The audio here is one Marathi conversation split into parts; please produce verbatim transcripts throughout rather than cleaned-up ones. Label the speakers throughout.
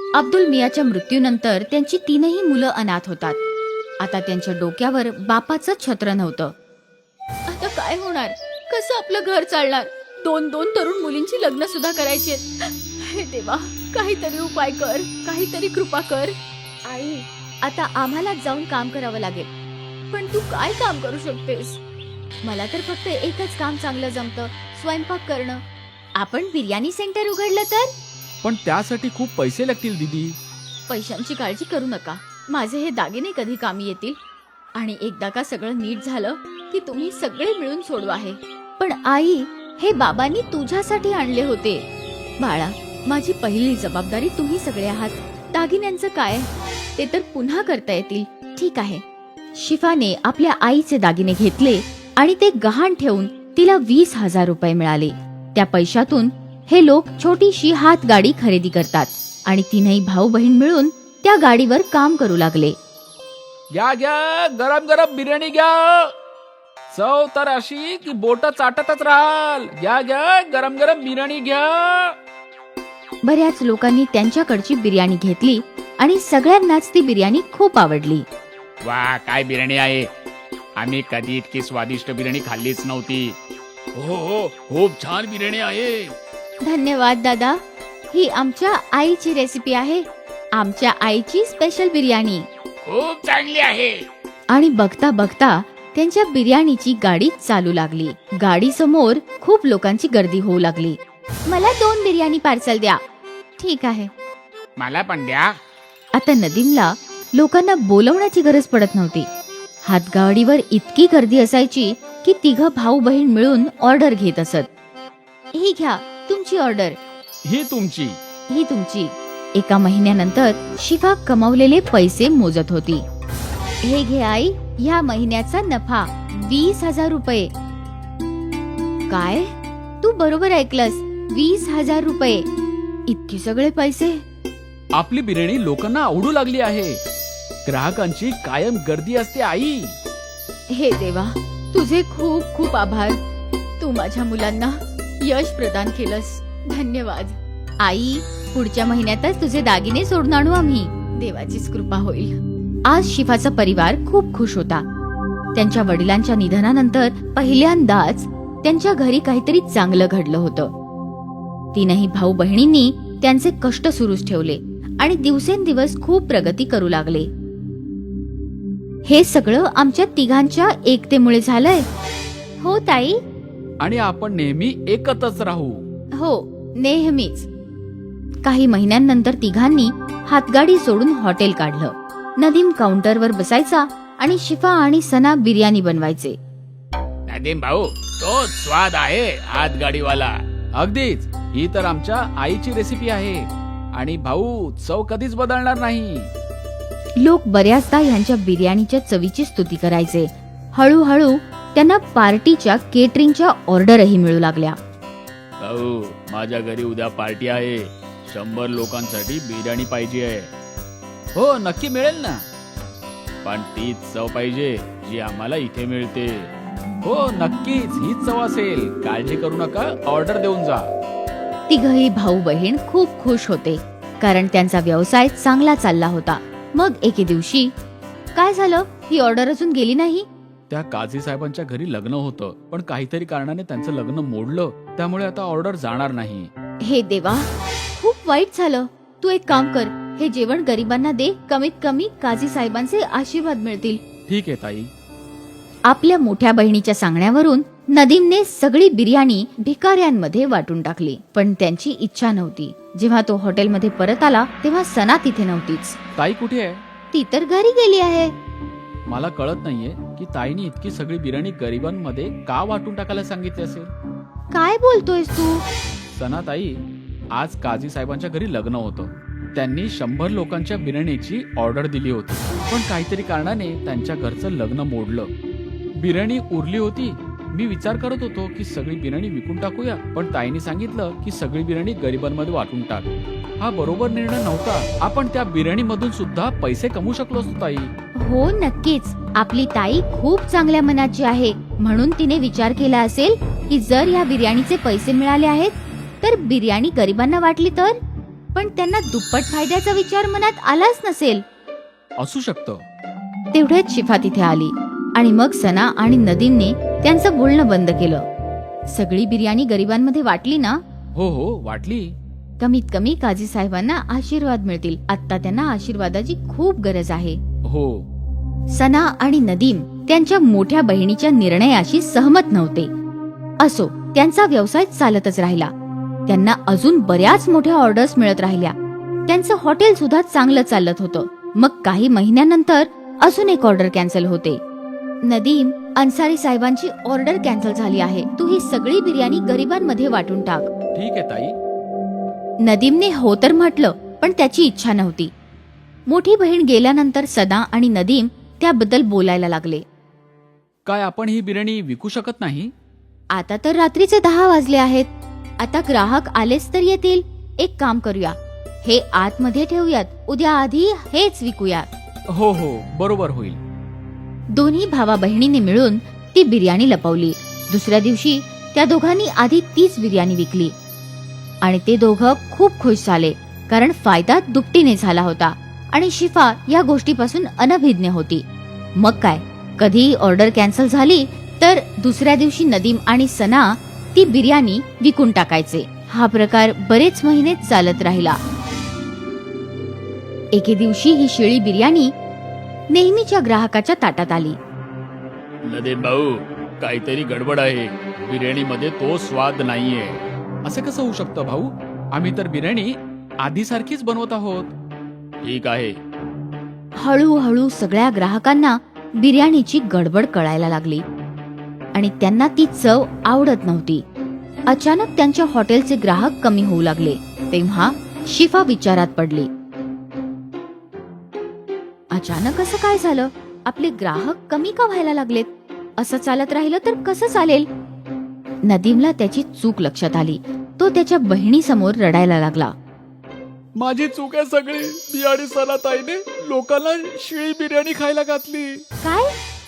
Speaker 1: अब्दुल मियाच्या मृत्यूनंतर त्यांची तीनही मुलं अनाथ होतात. आता त्यांच्या डोक्यावर बापाचं छत्र नव्हतं. आता काय होणार? कसं आपलं घर चालणार? दोन दोन तरुण मुलींची लग्न सुद्धा करायची. हे देवा, काहीतरी उपाय कर, काहीतरी कृपा कर. आई, आता आम्हाला जाऊन काम करावं लागेल. पण तू काय काम करू शकतेस? मला तर फक्त एकच काम चांगलं जमतं, स्वयंपाक करणं. आपण बिर्याणी सेंटर उघडलं तर?
Speaker 2: पण त्यासाठी खूप पैसे लागतील दीदी.
Speaker 1: पैशांची काळजी करू नका. माझे हे दागिने कधी कामी येतील. आणि एकदा का सगळं नीट झालं की तुम्ही सगळे मिळून सोडू आहे. पण आई, हे बाबांनी तुझ्यासाठी आणले होते. बाळा, माझी पहिली जबाबदारी तुम्ही सगळे आहात. दागिन्यांचं काय? ते तर पुन्हा करता येतील. ठीक आहे. शिफाने आपल्या आईचे दागिने घेतले आणि ते गहाण ठेवून तिला वीस हजार रुपये मिळाले. त्या पैशातून हे लोक छोटीशी हातगाडी खरेदी करतात आणि तीनही भाऊ बहीण मिळून त्या गाडीवर काम करू लागले.
Speaker 2: घ्या घ्या, गरम गरम बिर्याणी घ्या. चव तर अशी की बोट चाटतच राहाल. घ्या घ्या, गरम गरम बिर्याणी घ्या.
Speaker 1: बऱ्याच लोकांनी त्यांच्याकडची बिर्याणी घेतली आणि सगळ्यांनाच ती बिर्याणी खूप आवडली.
Speaker 2: वा, काय बिर्याणी आहे. आम्ही कधी इतकी स्वादिष्ट बिर्याणी खाल्लीच नव्हती. हो हो, खूप छान बिर्याणी आहे.
Speaker 1: धन्यवाद दादा. ही आमच्या आईची रेसिपी आहे. आमच्या आईची स्पेशल बिर्याणी.
Speaker 2: खूप चांगली आहे.
Speaker 1: आणि बघता बघता त्यांच्या बिर्याणीची गाडी चालू लागली. गाडी समोर खूप लोकांची गर्दी होऊ लागली. मला दोन बिर्याणी पार्सल द्या. ठीक आहे.
Speaker 2: मला पण द्या.
Speaker 1: आता नदीमला लोकांना बोलवण्याची गरज पडत नव्हती. हातगाडीवर इतकी गर्दी असायची की तिघ भाऊ बहीण मिळून ऑर्डर घेत असत. ही घ्या तुमची ऑर्डर.
Speaker 2: ही तुमची.
Speaker 1: ही तुमची. एका महिन्यानंतर शिफा कमावलेले पैसे मोजत होती. हे घे आई, ह्या महिन्याचा नफा वीस हजार रुपये. काय? तू बरोबर ऐकलंस, वीस हजार रुपये. इतके सगळे पैसे.
Speaker 2: आपली बिर्याणी लोकांना आवडू लागली आहे. ग्राहकांची कायम गर्दी असते आई.
Speaker 1: हे देवा, तुझे खूप खूप आभार. तू माझ्या मुलांना यश प्रदान केलंस. धन्यवाद. आई, पुढच्या महिन्यातच तुझे दागिने सोडून आणू आम्ही. देवाचीच कृपा होईल. आज शिफाचा परिवार खूप खुश होता. त्यांच्या वडिलांच्या निधनानंतर पहिल्यांदाच त्यांच्या घरी काहीतरी चांगलं घडलं होतं. तीनही भाऊ बहिणींनी त्यांचे कष्ट सुरूच ठेवले आणि दिवसेंदिवस खूप प्रगती करू लागले. हे सगळं आमच्या तिघांच्या एकतेमुळे झालंय. हो ताई.
Speaker 2: आणि आपण नेहमी एकत्रच राहू.
Speaker 1: हो, नेहमीच. काही महिन्यांनंतर तिघांनी हातगाडी सोडून हॉटेल काढलं. नदीम काउंटरवर बसायचा आणि शिफा आणि सना बिर्याणी बनवायचे.
Speaker 2: नदीम भाऊ, तो स्वाद आहे हातगाडीवाला. अगदीच. ही तर आमच्या आईची रेसिपी आहे आणि भाऊ, चव कधीच बदलणार नाही.
Speaker 1: लोक बऱ्याचदा ह्यांच्या बिर्याणीच्या चवीची स्तुती करायचे. हळूहळू त्यांना पार्टीच्या केटरिंगच्या ऑर्डरही मिळू लागल्या.
Speaker 2: भाऊ, माझ्या घरी उद्या पार्टी आहे. शंभर लोकांसाठी बिर्याणी पाहिजे आहे. हो, नक्की मिळेल ना. पण तीच चव पाहिजे जी आम्हाला इथे मिळते. हो, नक्कीच हीच चव असेल. काळजी करू नका, ऑर्डर देऊन जा.
Speaker 1: तिघही भाऊ बहीण खूप खुश होते कारण त्यांचा व्यवसाय चांगला चालला होता. मग एके दिवशी काय झालं? ही ऑर्डर अजून गेली नाही.
Speaker 2: त्या काझी साहेबांच्या घरी लग्न होतं, पण काहीतरी कारणाने त्यांचं लग्न मोडलं. त्यामुळे आता ऑर्डर जाणार नाही.
Speaker 1: हे देवा, खूप वाईट झालं. तू एक काम कर, हे जेवण गरिबांना दे. कमीत कमी काझी साहेबांचे आशीर्वाद मिळतील.
Speaker 2: ठीक आहे ताई.
Speaker 1: आपल्या मोठ्या बहिणीच्या सांगण्यावरून नदीमने सगळी बिर्याणी भिकाऱ्यांमध्ये वाटून टाकली. पण त्यांची इच्छा नव्हती. जेव्हा तो हॉटेलमध्ये परत आला तेव्हा सना तिथे नव्हतीच.
Speaker 2: ताई कुठे आहे?
Speaker 1: ती तर घरी गेली आहे.
Speaker 2: मला कळत नाहीये की ताईने इतकी सगळी बिर्याणी गरिबांमध्ये का वाटून टाकायला सांगितली असेल.
Speaker 1: काय बोलतोयस तू?
Speaker 2: सना ताई, आज काझी साहेबांच्या घरी लग्न होतं. त्यांनी शंभर लोकांच्या बिर्याणीची ऑर्डर दिली होती, पण काहीतरी कारणाने त्यांच्या घरचं लग्न मोडलं. बिर्याणी उरली होती. मी विचार करत होतो की सगळी बिर्याणी विकून टाकूया, पण ताईने सांगितलं की सगळी बिर्याणी गरिबांमध्ये वाटून टाक. हा बरोबर निर्णय नव्हता. आपण त्या बिर्याणी मधून सुद्धा पैसे कमवू शकलो असतो ताई.
Speaker 1: हो, नक्कीच. आपली ताई खूप चांगल्या मनाची आहे. म्हणून तिने विचार केला असेल की जर या बिर्याणीचे पैसे मिळाले आहेत तर बिर्याणी गरिबांना वाटली तर. पण त्यांना दुप्पट फायद्याचा विचार मनात आलाच नसेल.
Speaker 2: असू शकतं.
Speaker 1: तेवढ्यात शिफा तिथे आली आणि मग सना आणि नदीमने त्यांचं बोलणं बंद केलं. सगळी बिर्याणी गरिबांमध्ये वाटली ना?
Speaker 2: हो हो वाटली.
Speaker 1: कमीत कमी काझी साहेबांना आशीर्वाद मिळतील. आता त्यांना आशीर्वादाची खूप गरज आहे.
Speaker 2: हो.
Speaker 1: सना आणि नदीम त्यांच्या मोठ्या बहिणीच्या निर्णयाशी सहमत नव्हते. असो, त्यांचा व्यवसाय चालतच राहिला. त्यांना अजून बऱ्याच मोठ्या ऑर्डर्स मिळत राहिल्या. त्यांचं हॉटेल सुद्धा चांगलं चालत होतं. मग काही महिन्यानंतर अजून एक ऑर्डर कॅन्सल होते. नदीम, अन्सारी साहेबांची ऑर्डर कॅन्सल झाली आहे. तू ही सगळी बिर्याणी गरिबांमध्ये वाटून टाक.
Speaker 2: ठीक आहे ताई.
Speaker 1: नदीमने हो तर म्हटलं, पण त्याची इच्छा नव्हती. मोठी बहीण गेल्यानंतर सना आणि नदीम त्याबद्दल बोलायला लागले.
Speaker 2: काय आपण ही बिर्याणी विकू शकत नाही?
Speaker 1: आता तर रात्रीचे दहा वाजले आहेत. आता ग्राहक आलेच तर येतील. एक काम करूया, हे आतमध्ये ठेवूयात. उद्या आधी हेच विकूया.
Speaker 2: हो हो बरोबर होईल.
Speaker 1: दोन्ही भावा बहिणीने मिळून ती बिर्याणी लपवली. दुसऱ्या दिवशी त्या दोघांनी आधी तीच बिर्याणी विकली आणि ते दोघं खूप खुश झाले, कारण फायदा दुपटीने झाला होता आणि शिफा या गोष्टीपासून अनभिज्ञ होती. मग काय, कधी ऑर्डर कॅन्सल झाली तर दुसऱ्या दिवशी नदीम आणि सना ती बिर्याणी विकून टाकायचे. हा प्रकार बरेच महिने चालत राहिला. एके दिवशी ही शिळी बिर्याणी नेहमीच्या ग्राहकाच्या ताटात आली.
Speaker 2: नदीम भाऊ, काहीतरी गडबड आहे. बिर्याणीमध्ये तो स्वाद नाहीये. असं कसं होऊ शकतं भाऊ? आम्ही तर बिर्याणी आधी सारखीच बनवत आहोत. ठीक आहे.
Speaker 1: हळूहळू सगळ्या ग्राहकांना बिर्याणीची गडबड कळायला लागली आणि त्यांना ती चव आवडत नव्हती. अचानक त्यांच्या हॉटेलचे ग्राहक कमी होऊ लागले. तेव्हा शिफा विचारात पडली. अचानक असं काय झालं? आपले ग्राहक कमी का व्हायला लागलेत? असं चालत राहिलं तर कसं चालेल? नदीमला त्याची चूक लक्षात आली. तो त्याच्या बहिणी समोर रडायला लागला.
Speaker 2: माझी चूक आहे सगळी. मी आणि सना ताईने लोकांना शिळी बिर्याणी खायला घातली.
Speaker 1: काय?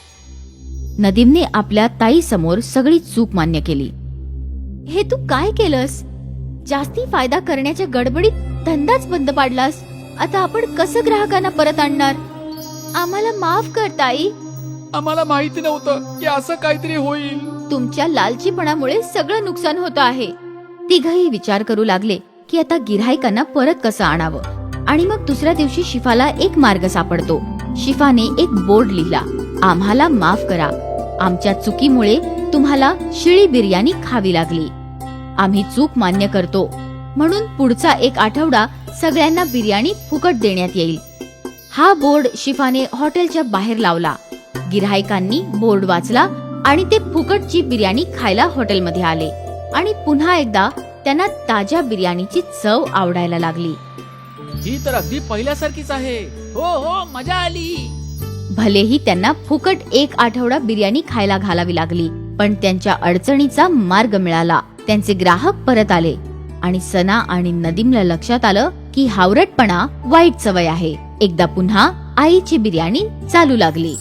Speaker 1: नदीमने आपल्या ताई समोर सगळी चूक मान्य केली. हे तू काय केलंस? जास्ती फायदा करण्याच्या गडबडीत धंदाच बंद पाडलास. आता आपण कसं ग्राहकांना परत आणणार? आम्हाला माफ कर ताई.
Speaker 2: आम्हाला माहिती नव्हतं की असं काहीतरी होईल.
Speaker 1: तुमच्या लालचीपणामुळे सगळं नुकसान होतं आहे. तिघही विचार करू लागले की आता गिऱ्हाईकांना परत कसं आणावं. आणि मग दुसऱ्या दिवशी शिफाला एक मार्ग सापडतो. शिफाने एक बोर्ड लिहिला. आम्हाला माफ करा. आमच्या चुकीमुळे तुम्हाला शिळी बिर्याणी खावी लागली. आम्ही चूक मान्य करतो, म्हणून पुढचा एक आठवडा सगळ्यांना बिर्याणी फुकट देण्यात येईल. हा बोर्ड शिफाने हॉटेलच्या बाहेर लावला. गिऱ्हाईकांनी बोर्ड वाचला आणि ते फुकटची बिर्याणी खायला हॉटेलमध्ये आले आणि पुन्हा एकदा त्यांना ताज्या बिर्याणीची चव आवडायला लागली.
Speaker 2: ही तर अगदी पहिल्यासारखीच आहे. हो हो मजा आली.
Speaker 1: भलेही त्यांना फुकट एक आठवडा बिर्याणी खायला घालावी लागली, पण त्यांच्या अडचणीचा मार्ग मिळाला. त्यांचे ग्राहक परत आले आणि सना आणि नदीमला लक्षात आलं की हावरटपणा वाईट सवय आहे. एकदा पुन्हा आईची बिर्याणी चालू लागली.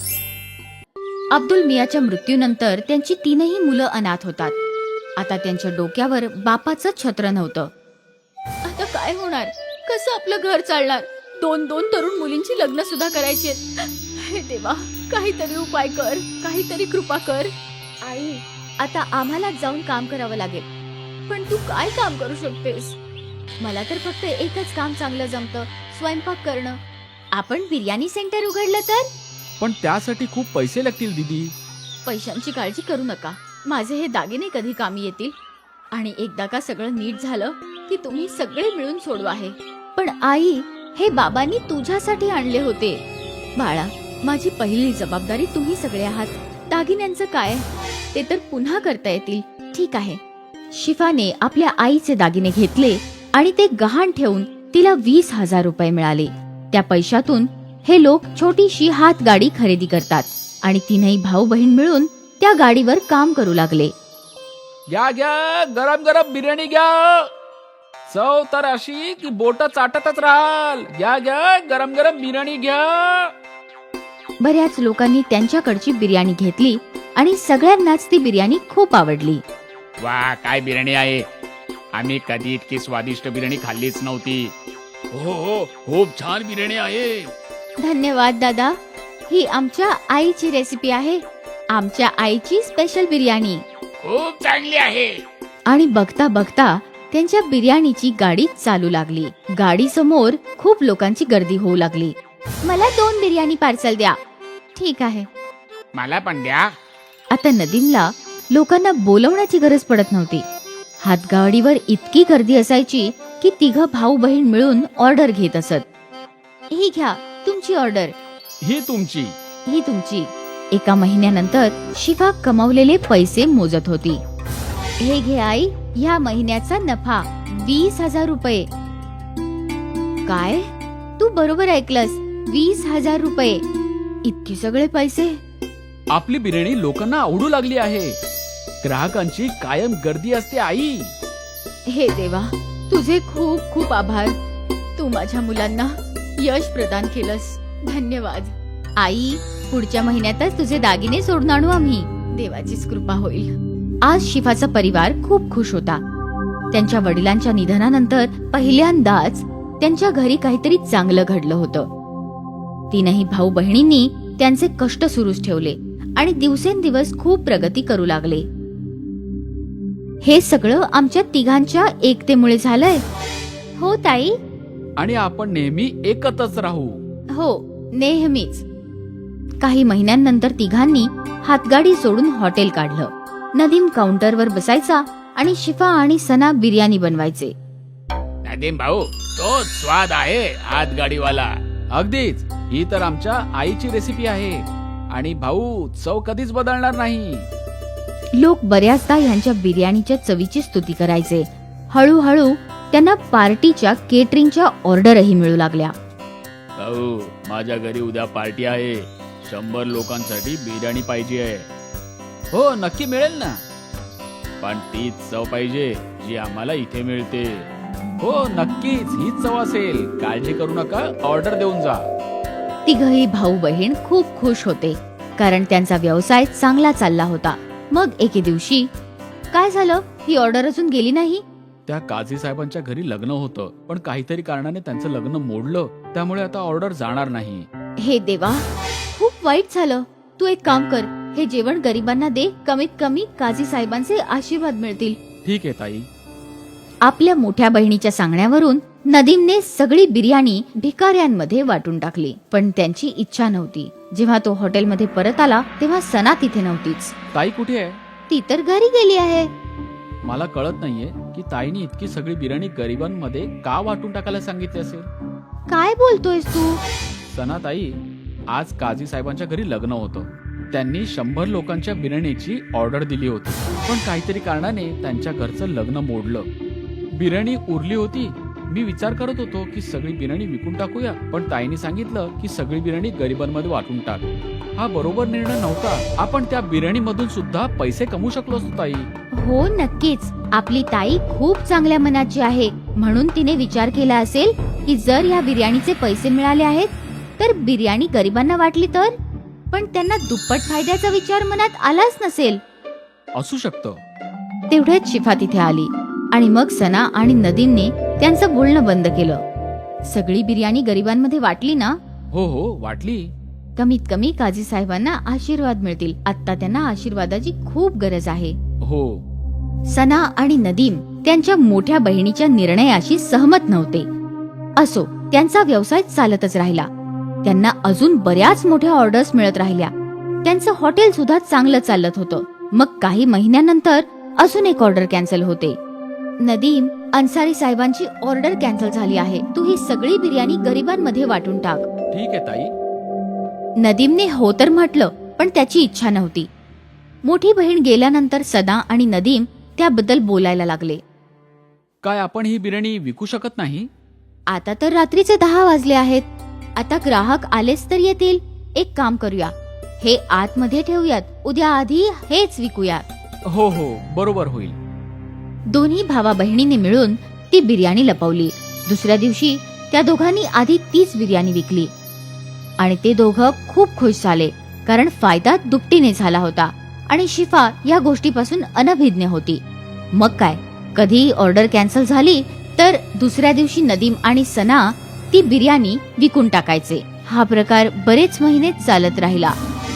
Speaker 1: अब्दुल मियाच्या मृत्यूनंतर त्यांची तीनही मुलं अनाथ होतात. आता त्यांच्या डोक्यावर बापाचं छत्र नव्हतं. आता काय होणार? कसं आपलं घर चालणार? दोन दोन तरुण मुलींची लग्न सुद्धा करायची. हे देवा, काहीतरी उपाय कर, काहीतरी कृपा कर. आई, आता आम्हाला जाऊन काम करावं लागेल. पण तू काय काम करू शकतेस? मला तर फक्त एकच काम चांगलं जमतं, स्वयंपाक करणं. आपण बिर्याणी सेंटर उघडलं तर?
Speaker 2: पण त्यासाठी खूप पैसे लागतील दीदी.
Speaker 1: पैशांची काळजी करू नका. माझे हे दागिने कधी कामी येतील. आणि एकदा का सगळं नीट झालं की तुम्ही सगळे मिळून सोडवा आहे. पण आई, हे बाबांनी तुझ्यासाठी आणले होते. बाळा, माझी पहिली जबाबदारी तुम्ही सगळे आहात. दागिन्यांचं काय? ते तर पुन्हा करता येतील. ठीक आहे. शिफाने आपल्या आईचे दागिने घेतले आणि ते गहाण ठेवून तिला वीस हजार रुपये मिळाले. त्या पैशातून हे लोक छोटीशी हातगाडी खरेदी करतात आणि तीनही भाऊ बहीण मिळून त्या गाडीवर काम करू लागले.
Speaker 2: घ्या घ्या, गरम गरम बिर्याणी घ्या. चव तर अशी की बोट चाटतच राहाल. घ्या घ्या, गरम गरम बिर्याणी घ्या.
Speaker 1: बऱ्याच लोकांनी त्यांच्याकडची बिर्याणी घेतली आणि सगळ्यांनाच ती बिर्याणी खूप आवडली.
Speaker 2: वा, काय बिर्याणी आहे. आम्ही कधी इतकी स्वादिष्ट बिर्याणी खाल्लीच नव्हती. हो हो खूप छान बिर्याणी आहे.
Speaker 1: धन्यवाद दादा. ही आमच्या आईची रेसिपी आहे. आमच्या आईची स्पेशल बिर्याणी.
Speaker 2: खूप चांगली आहे.
Speaker 1: आणि बघता बघता त्यांच्या बिर्याणीची गाडी चालू लागली. गाडी समोर खूप लोकांची गर्दी होऊ लागली. मला दोन बिर्याणी पार्सल द्या. ठीक आहे.
Speaker 2: मला पण द्या.
Speaker 1: आता नदीमला लोकांना बोलवण्याची गरज पडत नव्हती. हातगाडीवर इतकी गर्दी असायची की तिघ भाऊ बहीण मिळून ऑर्डर घेत असत. ही घ्या तुमची ऑर्डर.
Speaker 2: ही तुमची.
Speaker 1: ही तुमची. एका महिन्यानंतर शिफा कमावलेले पैसे मोजत होती. हे घे आई, ह्या महिन्याचा नफा वीस हजार रुपये. काय? तू बरोबर ऐकलंस, वीस हजार रुपये. इतके सगळे पैसे.
Speaker 2: आपली बिर्याणी लोकांना आवडू लागली आहे. ग्राहकांची कायम गर्दी असते आई.
Speaker 1: हे देवा, तुझे खूप खूप आभार. तू माझ्या मुलांना यश प्रदान केलंस. धन्यवाद. आई, पुढच्या महिन्यातच तुझे दागिने सोडून आणू आम्ही. देवाचीच कृपा होईल. आज शिफाचा परिवार खूप खुश होता. त्यांच्या वडिलांच्या निधनानंतर पहिल्यांदाच त्यांच्या घरी काहीतरी चांगलं घडलं होतं. तीनही भाऊ बहिणींनी त्यांचे कष्ट सुरूच ठेवले आणि दिवसेंदिवस खूप प्रगती करू लागले. हे सगळं आमच्या तिघांच्या एकतेमुळे झालंय. हो ताई.
Speaker 2: आणि आपण नेहमी एकत्रच राहू.
Speaker 1: हो, नेहमीच. काही महिन्यांनंतर तिघांनी हातगाडी सोडून हॉटेल काढलं. नदीम काउंटरवर बसायचा आणि शिफा आणि सना बिर्याणी बनवायचे.
Speaker 2: नदीम भाऊ, तो स्वाद आहे हातगाडीवाला. अगदीच. ही तर आमच्या आईची रेसिपी आहे आणि भाऊ चव कधीच बदलणार नाही.
Speaker 1: लोक बऱ्याचदा यांच्या बिर्याणीच्या चवीची स्तुती करायचे. हळूहळू त्यांना पार्टीच्या केटरिंगच्या ऑर्डरही मिळू लागल्या.
Speaker 2: भाऊ, माझ्या घरी उद्या पार्टी आहे. शंभर लोकांसाठी बिर्याणी पाहिजे आहे. हो, नक्की मिळेल ना. पण तीच चव पाहिजे जी आम्हाला इथे मिळते. हो, नक्कीच हीच चव असेल. काळजी करू नका, ऑर्डर देऊन जा.
Speaker 1: तिघही भाऊ बहीण खूप खुश होते कारण त्यांचा व्यवसाय चांगला चालला होता. मग एके दिवशी काय झालं, ही ऑर्डर अजून गेली नाही.
Speaker 2: त्या काझी साहेबांच्या घरी लग्न होतं, पण काहीतरी कारणाने त्यांचं लग्न मोडलं. त्यामुळे आता ऑर्डर जाणार नाही.
Speaker 1: हे देवा, खूप वाईट झालं. तू एक काम कर, हे जेवण गरिबांना दे. कमीत कमी काझी साहेबांचे आशीर्वाद मिळतील.
Speaker 2: ठीक आहे ताई.
Speaker 1: आपल्या मोठ्या बहिणीच्या सांगण्यावरून नदीमने सगळी बिर्याणी भिकाऱ्यांमध्ये वाटून टाकली. पण त्यांची इच्छा नव्हती. जेव्हा तो हॉटेलमध्ये परत आला तेव्हा सना तिथे नव्हतीच.
Speaker 2: ताई कुठे आहे?
Speaker 1: ती तर घरी गेली आहे.
Speaker 2: मला कळत नाहीये की ताईने इतकी सगळी बिर्याणी गरिबांमध्ये का वाटून टाकायला सांगितली असेल.
Speaker 1: काय बोलतोयस तू?
Speaker 2: सना ताई, आज काझी साहेबांच्या घरी लग्न होतं. त्यांनी शंभर लोकांच्या बिर्याणीची ऑर्डर दिली होती, पण काहीतरी कारणाने त्यांच्या घरचं लग्न मोडलं. बिर्याणी उरली होती. मी विचार करत होतो की सगळी बिर्याणी विकून टाकूया, पण ताईने सांगितलं की सगळी बिर्याणी गरिबांमध्ये वाटून टाक. हा बरोबर निर्णय नव्हता. आपण त्या बिर्याणी मधून सुद्धा पैसे कमवू शकलो असतो ताई.
Speaker 1: हो, नक्कीच. आपली ताई खूप चांगल्या मनाची आहे. म्हणून तिने विचार केला असेल की जर या बिर्याणीचे पैसे मिळाले आहेत तर बिर्याणी गरिबांना वाटली तर. पण त्यांना दुप्पट फायद्याचा विचार मनात आलाच नसेल.
Speaker 2: असू शकतं.
Speaker 1: तेवढ्यात शिफा तिथे आली आणि मग सना आणि नदीमने त्यांचं बोलणं बंद केलं. सगळी बिर्याणी गरिबांमध्ये वाटली ना?
Speaker 2: हो हो, वाटली.
Speaker 1: कमीत कमी काझी साहेबांना आशीर्वाद मिळतील. आता त्यांना आशीर्वादाची खूप गरज आहे.
Speaker 2: हो.
Speaker 1: सना आणि नदीम त्यांच्या मोठ्या बहिणीच्या निर्णयाशी सहमत नव्हते. असो, त्यांचा व्यवसाय चालतच राहिला. त्यांना अजून बऱ्याच मोठ्या ऑर्डर्स मिळत राहिल्या. त्यांचं हॉटेल सुद्धा चांगलं चालत होतं. मग काही महिन्यानंतर अजून एक ऑर्डर कॅन्सल होते. नदीम, अन्सारी साहेबांची ऑर्डर कॅन्सल झाली आहे. तू ही सगळी बिर्याणी गरिबांमध्ये वाटून टाक.
Speaker 2: ठीक आहे ताई.
Speaker 1: नदीमने हो तर म्हटलं, पण त्याची इच्छा नव्हती. मोठी बहीण गेल्यानंतर सना आणि नदीम त्याबद्दल बोलायला लागले.
Speaker 2: काय आपण ही बिर्याणी विकू शकत नाही?
Speaker 1: आता तर रात्रीचे दहा वाजले आहेत. आता ग्राहक आलेच तर येतील. एक काम करूया, हे आतमध्ये ठेवूयात. उद्या आधी हेच विकूयात.
Speaker 2: हो हो, बरोबर होईल.
Speaker 1: दोन्ही भावा बहिणीने मिळून ती बिर्याणी लपवली. दुसऱ्या दिवशी त्या दोघांनी आधी तीच बिर्याणी विकली आणि ते दोघं खूप खुश झाले कारण फायदा दुपटीने झाला होता आणि शिफा या गोष्टीपासून अनभिज्ञ होती. मग काय, कधी ऑर्डर कॅन्सल झाली तर दुसऱ्या दिवशी नदीम आणि सना ती बिर्याणी विकून टाकायचे. हा प्रकार बरेच महिने चालत राहिला.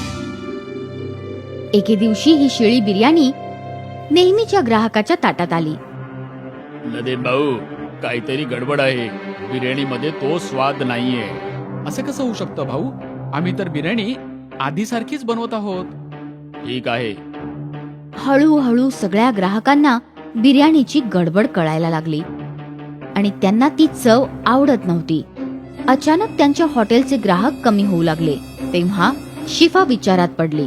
Speaker 1: एके दिवशी ही शिळी बिर्याणी नेहमीच्या ग्राहकाच्या ताटात आली.
Speaker 2: नदीम भाऊ, काहीतरी गडबड आहे. बिर्याणीमध्ये तो स्वाद नाहीये. असं कसं होऊ शकतं भाऊ? आम्ही तर बिर्याणी आधी सारखीच बनवत आहोत. ठीक आहे.
Speaker 1: हळूहळू सगळ्या ग्राहकांना बिर्याणीची गडबड कळायला लागली आणि त्यांना ती चव आवडत नव्हती. अचानक त्यांच्या हॉटेलचे ग्राहक कमी होऊ लागले. तेव्हा शिफा विचारात पडली.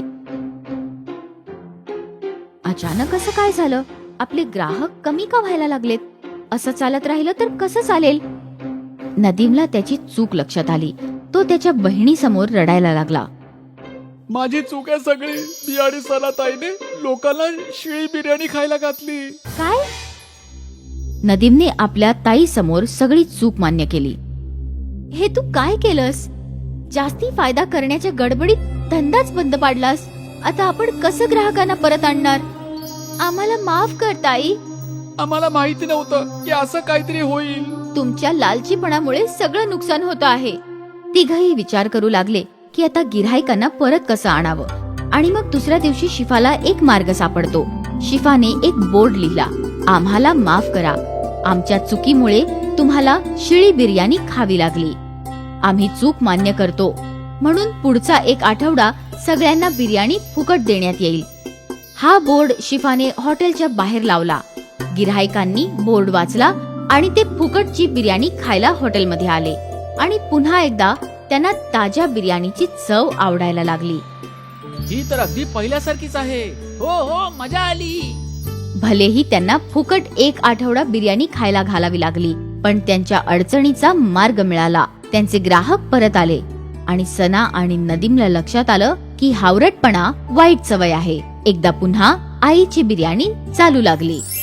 Speaker 1: अचानक असं काय झालं? आपले ग्राहक कमी का व्हायला लागलेत? असं चालत राहिलं तर कसं चालेल? नदीमला त्याची चूक लक्षात आली. तो त्याच्या बहिणीसमोर रडायला लागला.
Speaker 2: माझी चूक आहे सगळी. मी आणि सनाताईने लोकांना शिळी बिर्याणी खायला घातली.
Speaker 1: काय? नदीमने आपल्या ताई समोर सगळी चूक मान्य केली. हे तू काय केलंस? जास्ती फायदा करण्याच्या गडबडीत धंदाच बंद पाडलास. आता आपण कसं ग्राहकांना परत आणणार? आम्हाला माफ कर ताई.
Speaker 2: आम्हाला माहिती नव्हतं की असं काहीतरी होईल.
Speaker 1: तुमच्या लालचीपणामुळे सगळं नुकसान होतं आहे. तिघही विचार करू लागले की आता गिऱ्हाईकांना परत कसं आणावं. आणि मग दुसऱ्या दिवशी शिफाला एक मार्ग सापडतो. शिफाने एक बोर्ड लिहिला. आम्हाला माफ करा. आमच्या चुकीमुळे तुम्हाला शिळी बिर्याणी खावी लागली. आम्ही चूक मान्य करतो. म्हणून पुढचा एक आठवडा सगळ्यांना बिर्याणी फुकट देण्यात येईल. हा बोर्ड शिफाने हॉटेलच्या बाहेर लावला. गिऱ्हाईकांनी बोर्ड वाचला आणि ते फुकटची बिर्याणी खायला हॉटेलमध्ये आले. आणि पुन्हा एकदा त्यांना ताज्या बिर्याणीची चव आवडायला लागली.
Speaker 2: ही तर अगदी पहिल्यासारखीच आहे. हो हो, मजा आली.
Speaker 1: भलेही त्यांना फुकट एक आठवडा बिर्याणी खायला घालावी लागली, पण त्यांच्या अडचणीचा मार्ग मिळाला. त्यांचे ग्राहक परत आले आणि सना आणि नदीमला लक्षात आलं की हावरटपणा वाईट सवय आहे. एकदा पुन्हा आईची बिर्याणी चालू लागली.